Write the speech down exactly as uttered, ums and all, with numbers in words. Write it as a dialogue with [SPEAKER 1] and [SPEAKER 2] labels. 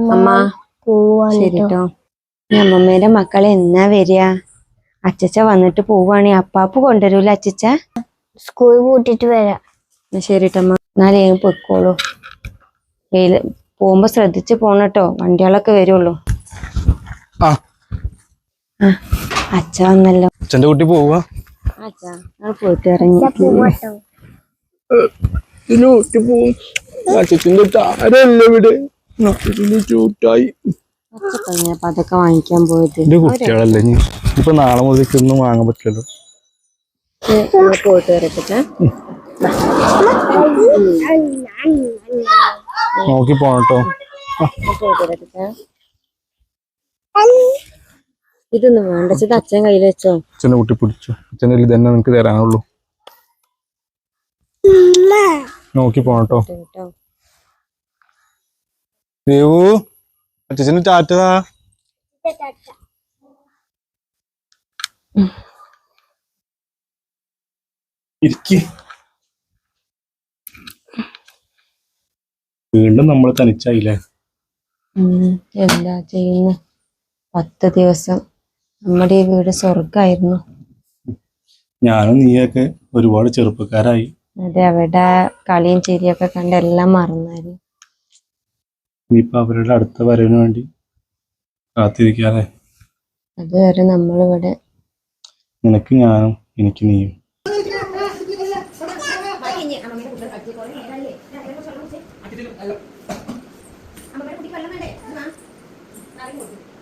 [SPEAKER 1] അമ്മ ശരിട്ടോ. അമ്മമ്മേന്റെ മക്കളെ എന്നാ വരിക? അച്ചച്ച വന്നിട്ട് പോവാണെ അപ്പാപ്പ് കൊണ്ടുവരൂല അച്ചച്ച?
[SPEAKER 2] സ്കൂൾ കൂട്ടിട്ട് വരാം.
[SPEAKER 1] ശരിട്ടമ്മ, എന്നാലേ പൊയ്ക്കോളൂ. വെയില് പോകുമ്പോ ശ്രദ്ധിച്ച് പോണട്ടോ, വണ്ടികളൊക്കെ വരുള്ളൂ. അച്ഛ വന്നല്ലോ.
[SPEAKER 3] അച്ഛന്റെ കുട്ടി പോവാ.
[SPEAKER 1] അച്ഛാ ഞങ്ങൾ പോയിട്ട് ഇറങ്ങി. അപ്പൊ അതൊക്കെ വാങ്ങിക്കാൻ പോയത്
[SPEAKER 3] കുട്ടികളല്ലേ, ഇപ്പൊ നാളെ മുതൽ ഒന്നും വാങ്ങാൻ പറ്റില്ലല്ലോ.
[SPEAKER 1] പോയിട്ട് വരട്ടെ.
[SPEAKER 3] നോക്കി പോണട്ടോ.
[SPEAKER 1] ഇതൊന്നും വേണ്ട, അച്ഛൻ കയ്യിൽ വെച്ചോ.
[SPEAKER 3] അച്ഛനെ കുട്ടി പിടിച്ചു. അച്ഛൻ്റെ കയ്യിൽ തന്നെ നിനക്ക് തരാനുള്ളൂ. നോക്കി പോണട്ടോ. ദേവു, അച്ഛന് ടാറ്റതാ. വീണ്ടും നമ്മൾ തനിച്ചായില്ലേ?
[SPEAKER 1] എന്താ ചെയ്യുന്നു? പത്ത് ദിവസം നമ്മുടെ ഈ വീട് സ്വർഗായിരുന്നു.
[SPEAKER 3] ഞാനും നീയൊക്കെ ഒരുപാട് ചെറുപ്പക്കാരായി.
[SPEAKER 1] അതെ, അവിടെ കളിയും ചിരിയൊക്കെ കണ്ട് എല്ലാം മറന്നായിരുന്നു.
[SPEAKER 3] ഇനിയിപ്പോ അവരുടെ അടുത്ത വരവിന് വേണ്ടി കാത്തിരിക്കാതെ.
[SPEAKER 1] അതുവരെ നമ്മളിവിടെ.
[SPEAKER 3] നിനക്ക് ഞാനും എനിക്ക് നീയും.
[SPEAKER 4] അമ്മ കുട്ടിക്ക് വെള്ളം വേണ്ടേ?